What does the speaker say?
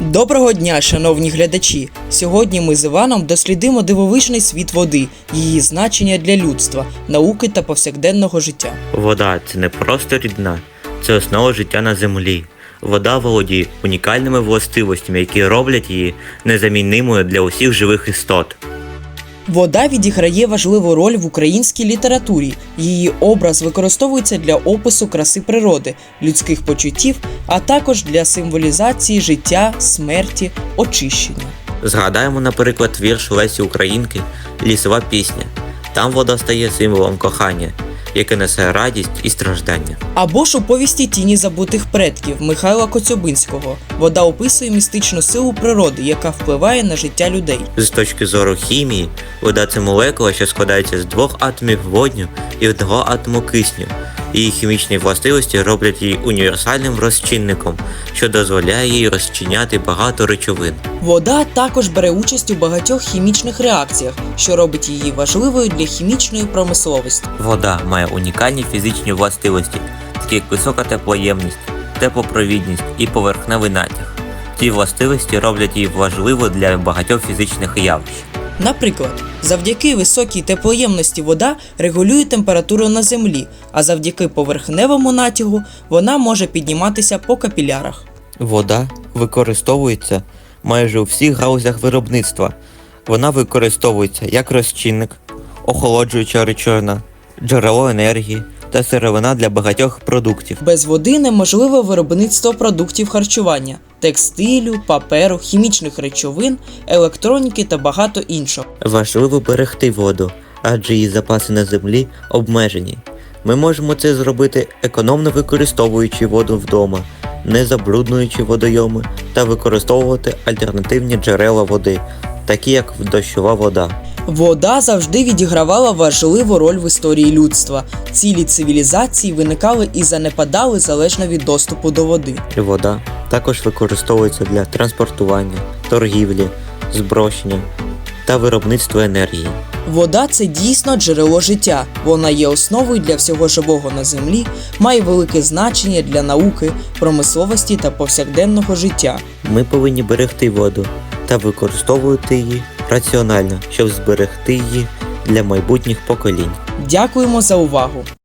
Доброго дня, шановні глядачі! Сьогодні ми з Іваном дослідимо дивовижний світ води, її значення для людства, науки та повсякденного життя. Вода – це не просто рідина, це основа життя на землі. Вода володіє унікальними властивостями, які роблять її незамінною для усіх живих істот. Вода відіграє важливу роль в українській літературі. Її образ використовується для опису краси природи, людських почуттів, а також для символізації життя, смерті, очищення. Згадаємо, наприклад, вірш Лесі Українки «Лісова пісня». Там вода стає символом кохання, яке несе радість і страждання. Або ж у повісті «Тіні забутих предків» Михайла Коцюбинського. Вода описує містичну силу природи, яка впливає на життя людей. З точки зору хімії, вода – це молекула, що складається з двох атомів водню і одного атому кисню. Її хімічні властивості роблять її універсальним розчинником, що дозволяє їй розчиняти багато речовин. Вода також бере участь у багатьох хімічних реакціях, що робить її важливою для хімічної промисловості. Вода має унікальні фізичні властивості, такі як висока теплоємність, теплопровідність і поверхневий натяг. Ці властивості роблять її важливою для багатьох фізичних явищ. Наприклад, завдяки високій теплоємності вода регулює температуру на землі, а завдяки поверхневому натягу вона може підніматися по капілярах. Вода використовується майже у всіх галузях виробництва. Вона використовується як розчинник, охолоджуюча речовина, джерело енергії та сировина для багатьох продуктів. Без води неможливе виробництво продуктів харчування, текстилю, паперу, хімічних речовин, електроніки та багато іншого. Важливо берегти воду, адже її запаси на землі обмежені. Ми можемо це зробити економно використовуючи воду вдома, не забруднюючи водойоми та використовувати альтернативні джерела води, такі як дощова вода. Вода завжди відігравала важливу роль в історії людства. Цілі цивілізації виникали і занепадали залежно від доступу до води. Вода також використовується для транспортування, торгівлі, зброшення та виробництва енергії. Вода – це дійсно джерело життя. Вона є основою для всього живого на землі, має велике значення для науки, промисловості та повсякденного життя. Ми повинні берегти воду та використовувати її раціонально, щоб зберегти її для майбутніх поколінь. Дякуємо за увагу!